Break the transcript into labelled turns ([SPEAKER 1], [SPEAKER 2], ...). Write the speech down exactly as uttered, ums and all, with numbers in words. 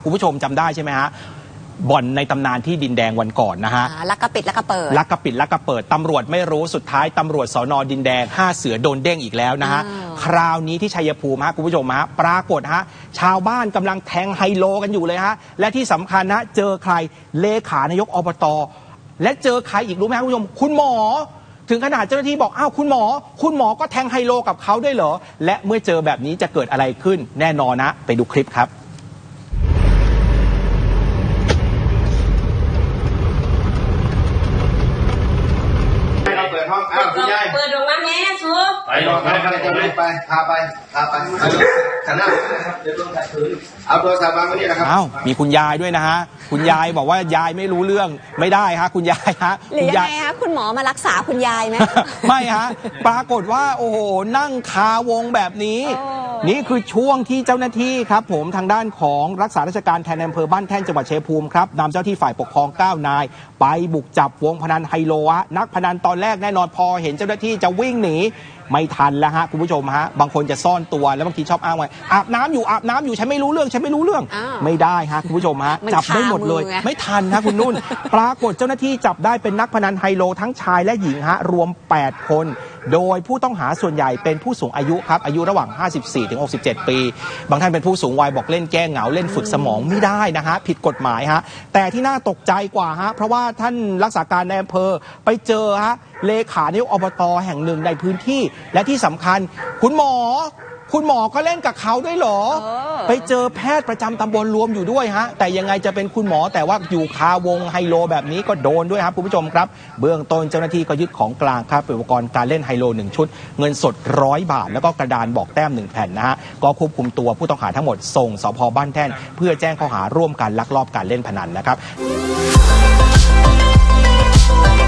[SPEAKER 1] คุณผู้ชมจำได้ใช่ไหมฮะบ่อนในตำนานที่ดินแดงวันก่อนนะฮะ
[SPEAKER 2] ลักกระปิดลักกระเปิด
[SPEAKER 1] ลักกระปิดลักกระเปิดตำรวจไม่รู้สุดท้ายตำรวจสนดินแดงห้าเสือโดนเด้งอีกแล้วนะฮะคราวนี้ที่ชัยภูมิฮะคุณผู้ชมฮะปรากฏฮะชาวบ้านกำลังแทงไฮโลกันอยู่เลยฮะและที่สำคัญนะเจอใครเลขานายกอบต.และเจอใครอีกรู้ไหมครับคุณผู้ชมคุณหมอถึงขนาดเจ้าหน้าที่บอกอ้าวคุณหมอคุณหมอก็แทงไฮโลกับเขาด้วยเหรอและเมื่อเจอแบบนี้จะเกิดอะไรขึ้นแน่นอนนะไปดูคลิปครับ
[SPEAKER 3] เปิดห้องอ้าวคุณยายเปิดโรงงานแม่ชัวไปลองไปไปไปพาไปพาไปขันหน้าเดี๋ยวโดนขัดขืนเอาโทรศัพท์วางไว้นี่นะครับ
[SPEAKER 1] อ้าวมีคุณยายด้วยนะฮะคุณยายบอกว่ายายไม่รู้เรื่องไม่ได้ฮะคุณยายฮะ
[SPEAKER 2] หรือยังไงฮะคุณหมอมารักษาคุณยายไหม
[SPEAKER 1] ไม่ฮะปรากฏว่าโอ้โหนั่งคาวงแบบนี้นี่คือช่วงที่เจ้าหน้าที่ครับผมทางด้านของรักษาราชการแทนอำเภอบ้านแท่นจังหวัดชัยภูมิครับนำเจ้าที่ฝ่ายปกครองเก้านายไปบุกจับวงพนันไฮโลฮะนักพนันตอนแรกแน่นอนพอเห็นเจ้าหน้าที่จะวิ่งหนีไม่ทันแล้วฮะคุณผู้ชมฮะบางคนจะซ่อนตัวแล้วบางทีชอบอ้างว่าอาบน้ำอยู่อาบน้ำอยู่ฉันไม่รู้เรื่องฉันไม่รู้เรื่องไม่ได้ฮะคุณผู้ชมฮะจับได้หมดเลยไม่ทันนะคุณนุ่นปรากฏเจ้าหน้าที่จับได้เป็นนักพนันไฮโลทั้งชายและหญิงฮะรวมแปดคนโดยผู้ต้องหาส่วนใหญ่เป็นผู้สูงอายุครับอายุระหว่างห้าสิบสี่ถึงหกสิบเจ็ดปีบางท่านเป็นผู้สูงวัยบอกเล่นแก้เหงาเล่นฝึกสมองไม่ได้นะฮะผิดกฎหมายฮะแต่ที่น่าตกใจกว่าฮะเพราะว่าท่านรักษาการในอำเภอไปเจอฮะเลขานายกอบต.แห่งหนึ่งในพื้นที่และที่สำคัญคุณหมอคุณหมอก็เล่นกับเขาด้วยเหรอไปเจอแพทย์ประจำตำบลรวมอยู่ด้วยฮะแต่ยังไงจะเป็นคุณหมอแต่ว่าอยู่คาวงไฮโลแบบนี้ก็โดนด้วยครับคุณผู้ชมครับเบื้องต้นเจ้าหน้าที่ก็ยึดของกลางครับอุปกรณ์การเล่นไฮโลหนึ่งชุดเงินสดร้อยบาทแล้วก็กระดานบอกแต้มหนึ่งแผ่นนะฮะก็ควบคุมตัวผู้ต้องหาทั้งหมดส่งสภ.บ้านแท่นเพื่อแจ้งข้อหาร่วมกันลักลอบการเล่นพนันนะครับ